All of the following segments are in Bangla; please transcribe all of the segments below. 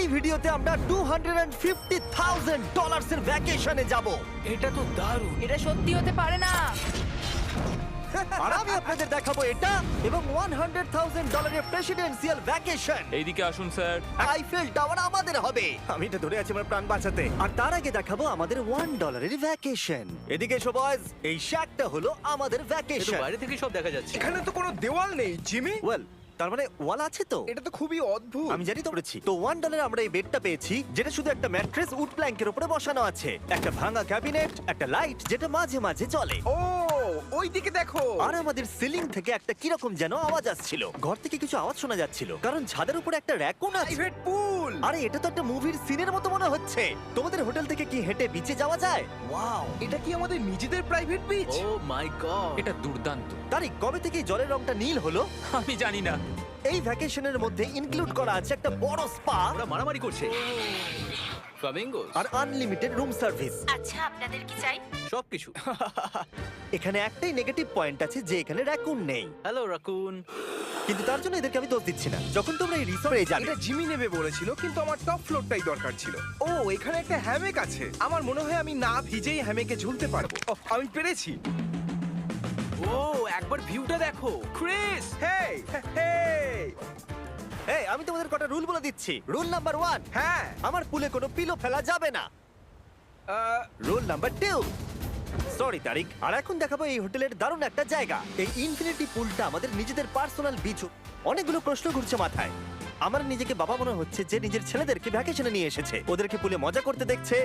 এই ভিডিওতে আমরা $250,000 এর ভ্যাকেশনে যাব। এটা তো দারুণ। এটা সত্যি হতে পারে না। আর আমি আপনাদের দেখাবো এটা এবং $100,000 এর প্রেসিডেন্সিয়াল ভ্যাকেশন। এইদিকে আসুন স্যার। আইফেল টাওয়ার আমাদের হবে। আমি এটা ধরে আছি আমার প্রাণ বাঁচাতে। আর তার আগে দেখাবো আমাদের $1 এর ভ্যাকেশন। এদিকে এসো বয়স, এই শ্যাকটা হলো আমাদের এটা ভ্যাকেশন। বাইরে থেকে সব দেখা যাচ্ছে। এখানে তো কোনো দেওয়াল নেই জিমি। ওয়েল, তার মানে ওয়াল আছে তো? এটা তো খুবই অদ্ভুত। আমি জানি তো করেছি। তো $1 আমরা এই বেডটা পেয়েছি, যেটা শুধু একটা ম্যাট্রেস উড প্ল্যাঙ্কের উপরে বসানো আছে, একটা ভাঙা ক্যাবিনেট, একটা লাইট যেটা মাঝে মাঝে চলে, ও ওই দিকে দেখো। আর আমাদের সিলিং থেকে একটা কিরকম যেন আওয়াজ আসছিল। ঘর থেকে কিছু আওয়াজ শোনা যাচ্ছিল, কারণ ছাদের উপরে একটা র‍্যাকুন আছে। Private pool. আরে এটা তো একটা মুভির সিনের মতো মনে হচ্ছে। তোমাদের হোটেল থেকে কি হেঁটে বিচে যাওয়া যায়? ওয়াও, এটা কি আমাদের নিজেদের private beach? Oh my God. এটা দুর্দান্ত। তারিক, কবে থেকে এই জলের রংটা নীল হলো? আমি জানি না। এই ভ্যাকেশনের মধ্যে ইনক্লুড করা আছে একটা বড় স্পা ওরা মারামারি করছে। ফ্লামিঙ্গোস আর আনলিমিটেড রুম সার্ভিস। আচ্ছা, আপনাদের কি চাই? সবকিছু। এখানে একটাই নেগেটিভ পয়েন্ট আছে যে এখানে র‍্যাকুন নেই, হ্যালো রাকুন। কিন্তু তার জন্য এদেরকে আমি দোষ দিচ্ছি না। যখন তোমরা এই রিসর্টে যাবে, এটা জিমি নেবে বলেছিল, কিন্তু আমার টপ ফ্লোরটাই দরকার ছিল। ও এখানে একটা হ্যামেক আছে। আমার মনে হয় আমি না ভিজেই হ্যামেকে ঝুলতে পারবো। ওহ, আমি পেরেছি। ও একবার ভিউটা দেখো ক্রিস। হেই হেই। এই আমি তোমাদের কটা রুল বলে দিচ্ছি। রুল নাম্বার 1, হ্যাঁ। আমার পুলে কোনো পিলো ফেলা যাবে না। Rule number 2, sorry Tariq. আর এখন দেখাবো এই হোটেলের দারুণ একটা জায়গা। এই ইনফিনিটি পুলটা আমাদের নিজেদের পার্সোনাল বিচ। অনেকগুলো প্রশ্ন ঘুরছে মাথায়। আমার নিজেকে বাবা মনে হচ্ছে যে নিজের ছেলেদেরকে ভ্যাকেশনে নিয়ে এসেছে, ওদেরকে পুলে মজা করতে দেখছে।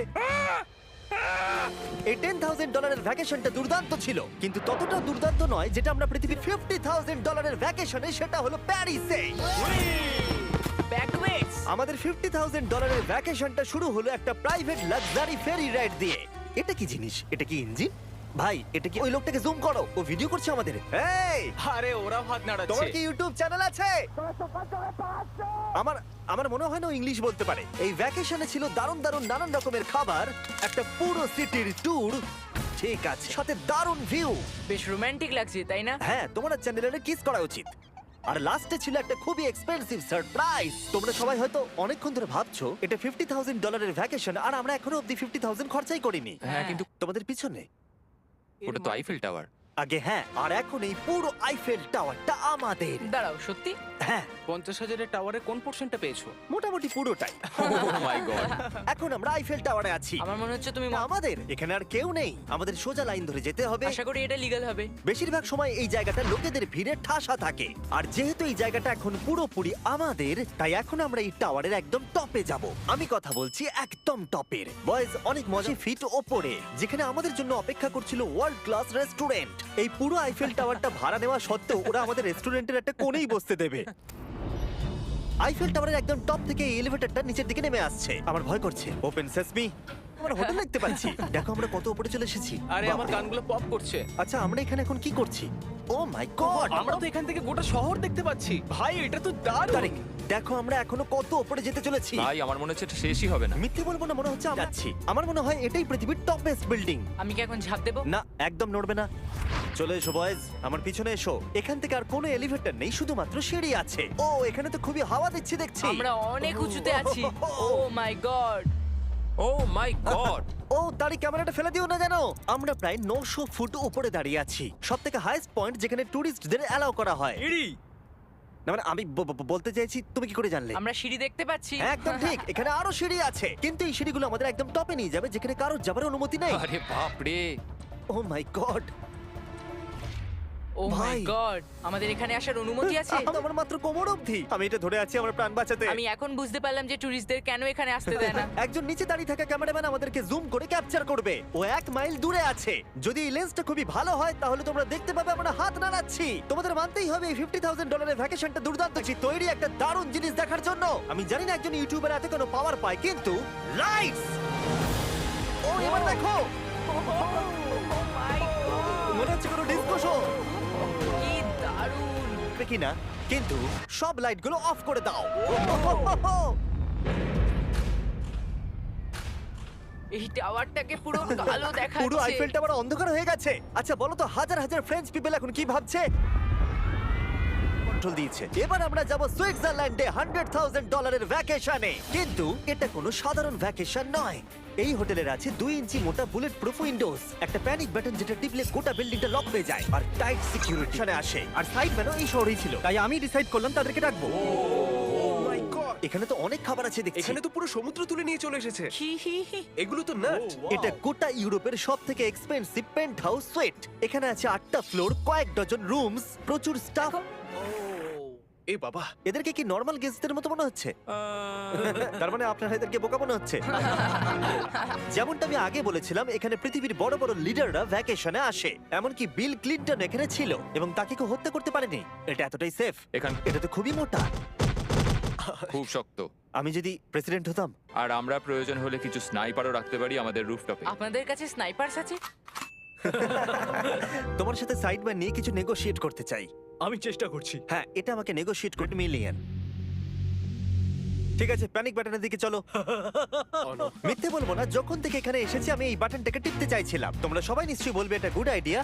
এই $10,000 এর ভ্যাকেশনটা দুর্দান্ত ছিল, কিন্তু ততটা দুর্দান্ত নয় যেটা আমরা পৃথিবীর $50,000 এর ভ্যাকেশনে, সেটা হলো প্যারিসে। ব্যাকওয়েটস। আমাদের $50,000 এর ভ্যাকেশনটা শুরু হলো একটা প্রাইভেট লাক্সারি ফেরি রাইড দিয়ে। এটা কি জিনিস? এটা কি ইঞ্জিন? ভাই, এটা কি? ওই লোকটাকে জুম করো, ও ভিডিও করছে আমাদের। এই, আরে ওরা হাত তোমার নাড়াচ্ছে। কি ইউটিউব চ্যানেল আছে? আমার আমার মনে হয় না ও ইংলিশ বলতে পারে। এই ভ্যাকেশনে ছিল দারুণ দারুণ নানান রকমের খাবার, একটা পুরো সিটির ট্যুর, ঠিক আছে, সাথে দারুণ ভিউ। বেশ রোমান্টিক লাগছে, তাই না? হ্যাঁ, তোমার চ্যানেলের কিস করা উচিত। আর লাস্টে ছিল একটা খুবই এক্সপেন্সিভ সারপ্রাইজ। তোমরা সবাই হয়তো অনেকক্ষণ ধরে ভাবছো এটা $50,000 এর ভ্যাকেশন, আর আমরা এখনো অব্দি 50,000 খরচাই করিনি। হ্যাঁ, কিন্তু তোমাদের পিছনে ওটা তো আইফেল টাওয়ার। আগে হ্যাঁ, আর এখন এই পুরো আইফেল টাওয়ারটা আমাদের। দাঁড়াও, সত্যি? হ্যাঁ, 50,000-এর টাওয়ারের কোন পোরশনটা পেয়েছো? মোটামুটি পুরোটাই। Oh my God. এখন আমরা আইফেল টাওয়ারে আছি। আমার মনে হচ্ছে তুমি না, আমাদের এখানে আর কেউ নেই, আমাদের সোজা লাইন ধরে যেতে হবে। আশা করি এটা লিগ্যাল হবে। বেশিরভাগ সময় এই জায়গাটা লোকেদের ভিড়ে ঠাসা থাকে, আর যেহেতু এই জায়গাটা এখন পুরোপুরি আমাদের, তাই এখন আমরা এই টাওয়ারের একদম টপে যাব। আমি কথা বলছি একদম টপের। বয়েজ, অনেক মজা ফিট ওপরে, যেখানে আমাদের জন্য অপেক্ষা করছিল ওয়ার্ল্ড ক্লাস রেস্টুরেন্ট। এই পুরো আইফেল টাওয়ারটা ভাড়া নেওয়া সত্ত্বেও ওরা আমাদের রেস্টুরেন্টের একটা কোণেই বসতে দেবে। আইফেল টাওয়ারের একদম টপ থেকে এই এলিভেটরটা নিচের দিকে নেমে আসছে। আমার ভয় করছে। ওপেন সেসমি, আমরা হোটেল দেখতে পাচ্ছি। দেখো আমরা কত উপরে চলে এসেছি। আরে আমার বাপরে। কানগুলো পপ করছে। আচ্ছা, আমরা এখানে এখন কি করছি? ও মাই গড, আমরা তো এখান থেকে গোটা শহর দেখতে পাচ্ছি। ভাই এটা তো দারুণ। তারিক, দেখো আমরা এখনো কত উপরে যেতে চলেছি। ভাই আমার মনে হচ্ছে এটা শেষই হবে না। মিথ্যে বলবো না, মনে হচ্ছে আমরা যাচ্ছি। আমার মনে হয় এটাই পৃথিবীর টপেস্ট বিল্ডিং। আমি কি এখন ঝাঁপ দেবো? না, একদম নড়বে না। চলে এসো বয়েজ, আমার পিছনে এসো। এখান থেকে আর কোনো এলিভেটর নেই, শুধুমাত্র সিঁড়ি আছে। ও, এখানে তো খুবই হাওয়া দিচ্ছে দেখছি। আমরা অনেক উঁচুতে আছি। ও my god. O my god. ও তারই ক্যামেরাটা ফেলে দিও না জানো। আমরা প্রায় 900 ফুট উপরে দাঁড়িয়ে আছি, সব থেকে হাইস্ট পয়েন্ট যেখানে টুরিস্টদের অ্যালাউ করা হয়। ইড়ি। না মানে আমি বলতে চাইছি, তুমি কি করে জানলে? আমরা সিঁড়ি দেখতে পাচ্ছি। হ্যাঁ, একদম ঠিক। এখানে আরো সিঁড়ি আছে, কিন্তু এই সিঁড়িগুলো আমাদের একদম টপে নিয়ে যাবে, যেখানে কারোর যাবার অনুমতি নেই। আরে বাপ রে। ও মাই গড, ও মাই ভাই। গড, আমাদের এখানে আসার অনুমতি আছে? আমার মাত্র কোমর অবধি। আমি এটা ধরে আছি আমার প্রাণ বাঁচাতে। আমি এখন বুঝতে পারলাম যে ট্যুরিস্টদের কেন এখানে আসতে দেয় না। একজন নিচে দাঁড়িয়ে থাকা ক্যামেরাম্যান আমাদেরকে জুম করে ক্যাপচার করবে। ও 1 মাইল দূরে আছে। যদি এই লেন্সটা খুবই ভালো হয় তাহলে তোমরা দেখতে পাবে আমরা হাত নাড়াচ্ছি। তোমাদের মানতেই হবে এই $50,000 এর ভ্যাকেশনটা দুর্দান্ত ছিল। তৈরি একটা দারুণ জিনিস দেখার জন্য। আমি জানি না একজন ইউটিউবার এত কোনো পাওয়ার পায়, কিন্তু লাইটস! ও এবার দেখো, মনে হচ্ছে কোনো ডিস্কো শো কি দারুণ। কি না, কিন্তু সব লাইটগুলো অফ করে দাও। এই টাওয়ারটাকে পুরো কালো দেখাচ্ছে। পুরো আইফেল টাওয়ার অন্ধকার হয়ে গেছে। আচ্ছা বলো তো, হাজার হাজার ফ্রেঞ্চ পিপল এখন কি ভাবছে? কন্ট্রোল দিয়েছে। এবার আমরা যাব সুইজারল্যান্ডে $100,000 ভ্যাকেশনে। কিন্তু এটা কোনো সাধারণ ভ্যাকেশন নয়। এই হোটেলের আছে 2 ইঞ্চি মোটা বুলেট প্রুফ উইন্ডোজ, একটা প্যানিক বাটন যেটা টিপলে গোটা বিল্ডিংটা লক হয়ে যায়, আর টাইট সিকিউরিটি আসে। আর সাইড ম্যানও এই শহরেই ছিল, তাই আমি ডিসাইড করলাম তাদেরকে ডাকবো। Oh my God! এখানে তো অনেক খাবার আছে দেখছি। এখানে তো পুরো সমুদ্র তুলে নিয়ে চলে এসেছে। হি হি হি। এগুলো তো নাট। এটা গোটা ইউরোপের সব থেকে এক্সপেন্সিভ পেন্ট হাউস সুইট। এখানে আছে 8টা ফ্লোর, কয়েক ডজন রুমস, প্রচুর স্টাফ। এ বাবা, এদেরকে কি নর্মাল গেস্টদের মতো মনে হচ্ছে? তার মানে আপনারা এদেরকে বোকা মনে হচ্ছে। যেমনটা আমি আগে বলেছিলাম, এখানে পৃথিবীর বড় বড় লিডাররা ভ্যাকেশনে আসে। এমনকি বিল ক্লিনটন এখানে ছিল এবং তাকে কেউ হত্যা করতে পারেনি। এটা এতটাই সেফ। এটা তো খুবই মোটা। খুব শক্ত। আমি যদি প্রেসিডেন্ট হতাম। আর আমরা প্রয়োজন হলে কিছু স্নাইপারও রাখতে পারি আমাদের রুফটপে। আপনাদের কাছে স্নাইপারস আছে? তোমার সাথে সাইড বাই নিয়ে কিছু নেগোশিয়েট করতে চাই। আমি চেষ্টা করছি। হ্যাঁ, এটা আমাকে নেগোশিয়েট করতে মিলিয়ন। ঠিক আছে, প্যানিক বাটনের দিকে চলো। মিথ্যে বলবো না, যখন থেকে এখানে এসেছি আমি এই বাটনটাকে টিপতে চাইছিলাম। তোমরা সবাই নিশ্চয়ই বলবে এটা গুড আইডিয়া।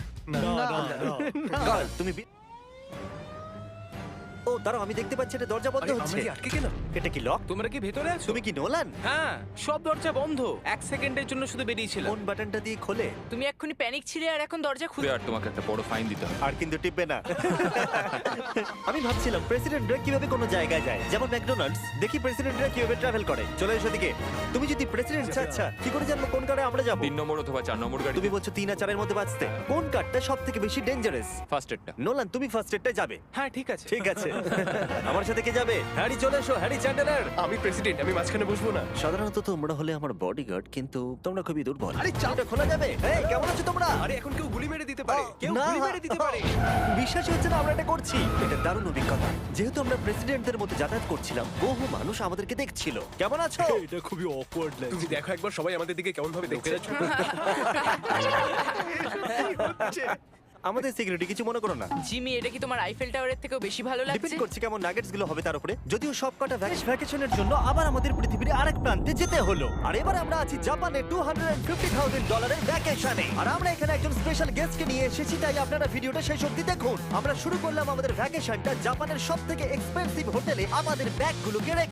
তুমি ও দাঁড়াও, আমি দেখতে পাচ্ছি এটা দরজা বন্ধ হচ্ছে। আটকে কেন? এটা কি লক? তোমরা কি ভেতরে আছো? তুমি কি নোলান? হ্যাঁ, সব দরজা বন্ধ। 1 সেকেন্ডের জন্য শুধু বেরিয়েছিলাম। কোন বাটনটা দিয়ে খোলে? তুমি এক্ষুনি প্যানিক ছিলে আর এখন দরজা খুলে। আর তোমাকে একটা বড় ফাইন দিতে হবে। আর কিন্তু টিপবে না। আমি ভাবছিলাম প্রেসিডেন্টরা কিভাবে কোনো জায়গায় যায়, যেমন ম্যাকডোনাল্ডস। দেখি প্রেসিডেন্টরা কিভাবে ট্রাভেল করে। চলে এসো দিকে। তুমি যদি প্রেসিডেন্ট, আচ্ছা কি করে জানবো কোন কারে আমরা যাবো? 3 নম্বর অথবা 4 নম্বর গাড়ি। তুমি বলছো 3 আর 4 এর মধ্যে বাঁচতে। কোন কারটা সব থেকে বেশি ডেঞ্জারাস? ফার্স্ট এডটা। নোলান, তুমি ফার্স্ট এডটা যাবে। হ্যাঁ, ঠিক আছে। ঠিক আছে। আমার সাথে কে যাবে? হ্যারি, চলে এসো। Harry Chandler. আমি প্রেসিডেন্ট, আমি মাঝখানে বসবো না। সাধারণত তোমরা হলে আমার বডিগার্ড, কিন্তু তোমরা খুবই দুর্বল। আরে চালটা খোলা যাবে? এই কেমন আছো তোমরা? আরে এখন কেউ গুলি মেরে দিতে পারে। কেউ না। গুলি মেরে দিতে পারে। বিশ্বাসই হচ্ছে না আমরা এটা করছি। এটা দারুণ অভিজ্ঞতা। যেহেতু আমরা প্রেসিডেন্টদের মতো যাতায়াত করছিলাম, বহু মানুষ আমাদেরকে দেখছিল। কেমন আছো? এটা খুবই অকওয়ার্ড লাগছে। তুমি দেখো একবার সবাই আমাদের দিকে কেমন ভাবে দেখছে। আমাদের সিকিউরিটি কিছু মনে করো না। জিমি, এটা কি তোমার আইফেল টাওয়ারের থেকেও বেশি ভালো ডিপেন্ড লাগছে? করছে কেমন নাগেটস গুলো হবে তার উপরে। যদিও সবকটা ভ্যাকেশনের জন্য আবার আমাদের পৃথিবীর আরেক প্রান্তে যেতে হলো। আর এবার আমরা আছি জাপানে $250,000 ভ্যাকেশনে। আর আমরা এখানে একজন স্পেশাল গেস্টকে নিয়ে এসেছি, তাই আপনারা ভিডিওটা শেষ অবধি দেখুন। আমরা শুরু করলাম আমাদের ভ্যাকেশনটা জাপানের সবথেকে এক্সপেন্সিভ হোটেলে আমাদের ব্যাগগুলোকে রেখে।